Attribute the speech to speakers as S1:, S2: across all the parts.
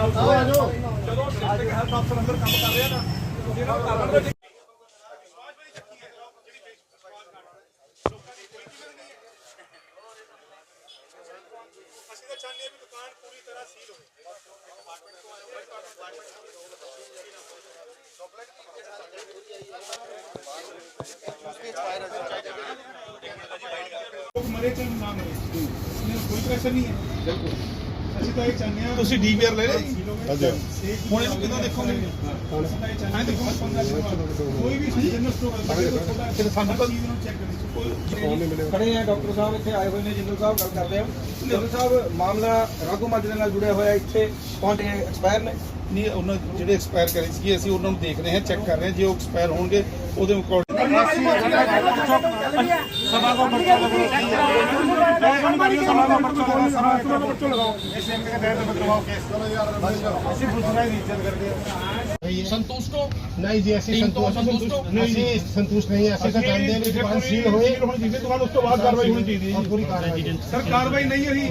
S1: ਜਦੋਂ district health ਅਫਸਰ ਅੰਦਰ ਕੰਮ ਕਰ ਰਿਹਾ ਨਾ ਤੁਸੀਂ ਇਹਨਾਂ ਨੂੰ ਕਰ ਲੈਂਦੇ। ਅਸੀਂ ਤਾਂ ਚਾਹੁੰਦੇ ਹਾਂ ਵੀ ਦੁਕਾਨ ਪੂਰੀ ਤਰ੍ਹਾਂ ਸੀਲ ਹੋਵੇ। मरे चाहे ना मरे कोई प्रेशर नहीं है। बिल्कुल ਅਸੀਂ ਤਾਂ ਇਹ ਚਾਹੁੰਦੇ ਹਾਂ। ਤੁਸੀਂ ਡੀਵੀਆਰ ਲੈ ਰਹੇ ਜੀ ਹੁਣ ਇਹਨੂੰ ਕਿਦੋਂ ਦੇਖੋਗੇ? ਹਾਂ ਦੇਖੋ ਕੋਈ ਵੀ ਜਨਰਲ ਸਟੋਰ ਹੈ ਸਾਨੂੰ ਤਾਂ ਚੈੱਕ ਕਰੀ ਖੜੇ ਆ ਡਾਕਟਰ ਸਾਹਿਬ ਇੱਥੇ ਆਏ ਹੋਏ ਨੇ। ਜਿੰਦਲ ਸਾਹਿਬ ਗੱਲ ਕਰਦੇ ਆ। ਜਿੰਦਲ ਸਾਹਿਬ ਮਾਮਲਾ ਰਾਘੂ ਮਾਜਰੇ ਨਾਲ ਜੁੜਿਆ ਹੋਇਆ ਇੱਥੇ ਪਹੁੰਚੇ ਐਕਸਪਾਇਰ ਨੇ ਨਹੀਂ ਉਹਨਾਂ ਜਿਹੜੇ ਐਕਸਪਾਇਰ ਕਰੇ ਸੀ ਅਸੀਂ ਉਹਨਾਂ ਨੂੰ ਦੇਖ ਰਹੇ ਹਾਂ ਚੈੱਕ ਕਰ ਰਹੇ ਹਾਂ। ਜੇ ਉਹ ਐਕਸਪਾਇਰ ਹੋਣਗੇ ਉਹਦੇ ਅਕੋਰਡਿੰਗ
S2: संतुष्ट हो?
S3: नहीं जी ऐसी संतुष्ट नहीं है। ऐसे तो जानते हैं दुकान सील होए
S1: दुकान उस तो बाद कार्रवाई होनी चाहिए।
S3: पूरी कार्रवाई
S1: सर कार्रवाई नहीं हुई।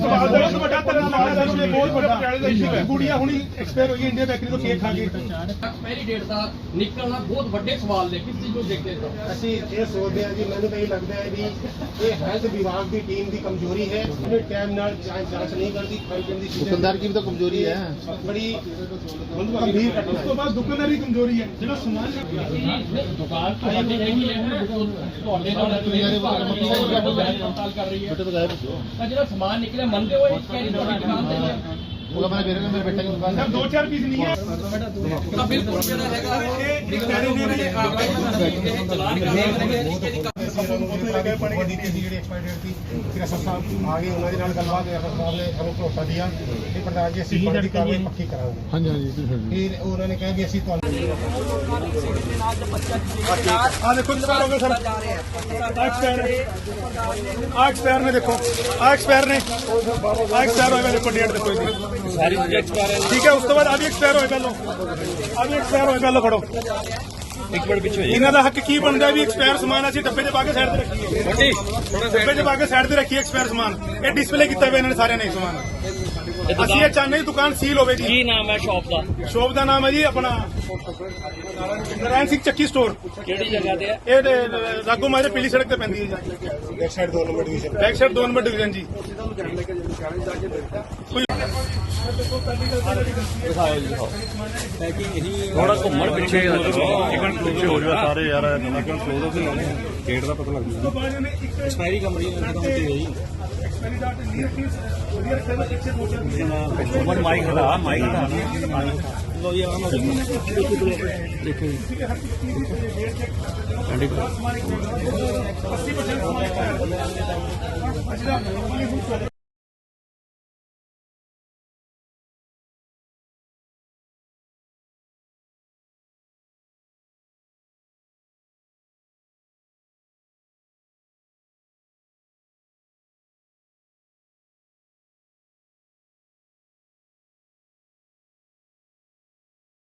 S1: गुड़िया हुणी एक्सपायर हुई इंडिया बेकरी तो केक खा के
S2: एक्सपायरी डेट का निकलना बहुत बड़े सवाल ने। किस चीज को देखते हो?
S3: ਅਸੀਂ ਇਹ ਸੋਚਦੇ ਹਾਂ ਜੀ ਮੈਨੂੰ ਤਾਂ ਇਹ ਲੱਗਦਾ ਹੈ ਵੀ ਇਹ ਹੈਲਥ ਵਿਭਾਗ ਦੀ ਟੀਮ ਦੀ ਕਮਜ਼ੋਰੀ ਹੈ। ਉਹਨੇ ਟਾਈਮ ਨਾਲ ਜਾਂਚ ਨਹੀਂ ਕਰਦੀ।
S4: दुकानदार की भी तो कमजोरी है।
S3: बड़ी गंभीर घटना
S1: ਉਸ ਤੋਂ ਬਾਅਦ ਦੁਕਾਨਦਾਰੀ ਕਮਜ਼ੋਰੀ ਹੈ। ਜਿਹੜਾ ਸਮਾਨ
S2: दुकान ਤੁਹਾਡੀ ਹੈਗੀ ਹੈ ਤੁਹਾਡੇ ਨਾਲ ਪੜਤਾਲ ਕਰ ਰਹੀ ਹੈ ਤਾਂ ਜਿਹੜਾ ਸਮਾਨ ਨਿਕਲਿਆ ਮੰਨਦੇ ਹੋ ਇਸ ਕਹਿ ਤੁਹਾਡੀ ਦੁਕਾਨ ਤੇ ਹੈ
S4: वो मेरे बेटे मेरे बेटे की दुकान है।
S1: ਸਰ 2-4 ਪੀਸ ਨਹੀਂ ਹੈ
S2: ਤਾਂ ਬਿਲਕੁਲ ਜਿਹੜਾ ਹੈਗਾ
S3: ਪਾਣੀ ਦਿੱਤੀ ਸੀ ਜਿਹੜੀ ਐਕਸਪਾਇਰ ਡੇਟ ਸੀ। ਫਿਰ ਅਸਰ ਸਾਹਿਬ ਆ ਗਏ ਉਹਨਾਂ ਦੇ ਨਾਲ ਗੱਲਬਾਤ ਹੋਈ। ਅਸਰ ਸਾਹਿਬ ਨੇ ਸਾਨੂੰ ਭਰੋਸਾ ਦਿਆ ਕਿ ਪ੍ਰਧਾਨ ਜੀ ਅਸੀਂ ਬਣਦੀ ਕਾਰਵਾਈ ਪੱਕੀ ਕਰਾਂਗੇ।
S4: हाँ जी हाँ जी
S3: ਫਿਰ ਉਹਨਾਂ ਨੇ ਕਿਹਾ ਕਿ ਅਸੀਂ ਤੁਹਾਨੂੰ
S1: ਆ ਦੇਖੋ ਐਕਸਪਾਇਰ ਹੋ ਗਏ ਸਰ। ਐਕਸਪਾਇਰ ਨੇ ਦੇਖੋ ਐਕਸਪਾਇਰ ਨੇ ਐਕਸਪਾਇਰ ਹੋਏ ਦੇਖੋ ਡੇਟ ਦੇਖੋ ਇਹਦੀ ਸਾਰੀ ਐਕਸਪਾਇਰ ਹੈ। ਠੀਕ ਹੈ ਉਸ ਤੋਂ ਬਾਅਦ ਆ ਵੀ ਐਕਸਪਾਇਰ ਹੋਏ ਪਹਿਲੋਂ ਆ ਵੀ ਐਕਸਪਾਇਰ ਹੋਏ ਪਹਿਲੋਂ ਫੜੋ ਇੱਕ ਮਿੰਟ ਪਿੱਛੇ ਇਹਨਾਂ ਦਾ ਹੱਕ ਕੀ ਬਣਦਾ ਵੀ ਐਕਸਪਾਇਰ ਸਮਾਨ ਅਸੀਂ ਡੱਬੇ 'ਚ ਪਾ ਕੇ ਸਾਈਡ ਤੇ ਰੱਖੀਏ। ਡੱਬੇ 'ਚ ਪਾ ਕੇ ਸਾਈਡ ਤੇ ਰੱਖੀਏ ਐਕਸਪਾਇਰ ਸਮਾਨ। ਇਹ ਡਿਸਪਲੇ ਕੀਤਾ ਹੋਇਆ ਇਹਨਾਂ ਨੇ ਸਾਰਿਆਂ ਨੇ ਸਮਾਨ। ਅਸੀਂ ਇਹ ਚਾਹੁੰਦੇ ਦੁਕਾਨ ਸੀਲ ਹੋਵੇ ਜੀ।
S2: ਕੀ ਨਾਮ ਹੈ ਸ਼ਾਪ ਦਾ?
S1: ਸ਼ੋਪ ਦਾ ਨਾਮ ਹੈ ਜੀ ਆਪਣਾ ਨਾਰਾਇਣ ਸਿੰਘ ਚੱਕੀ ਸਟੋਰ।
S2: ਕਿਹੜੀ ਜਗ੍ਹਾ ਤੇ ਹੈ?
S1: ਇਹ ਰਾਘੂ ਮਾਜਰੇ ਪੀਲੀ ਸੜਕ ਤੇ ਪੈਂਦੀ ਹੈ ਜੀ।
S3: Back side 2 number division
S1: back side 2 number division ਜੀ।
S5: ਥੋੜਾ ਘੁੰਮਣ ਪਿੱਛੇ ਚਿਕਨ ਪਿੱਛੇ ਹੋ ਜਾਵੇ ਸਾਰੇ ਯਾਰ ਚਿਕਨ ਕਲੋਜ਼ ਹੋ ਗਏ ਗੇਟ ਦਾ ਪਤਾ ਲੱਗ ਜੂਗਾ ਐਕਸਪਾਇਰੀ ਕੰਪਨੀ ਦਾ ਕੰਮ ਤੇ ਹੈ ਜੀ ਓਪਨ ਮਾਈਕ ਦਾ ਲੋ ਜੀ ਆਮ ਦੇਖੋ ਜੀ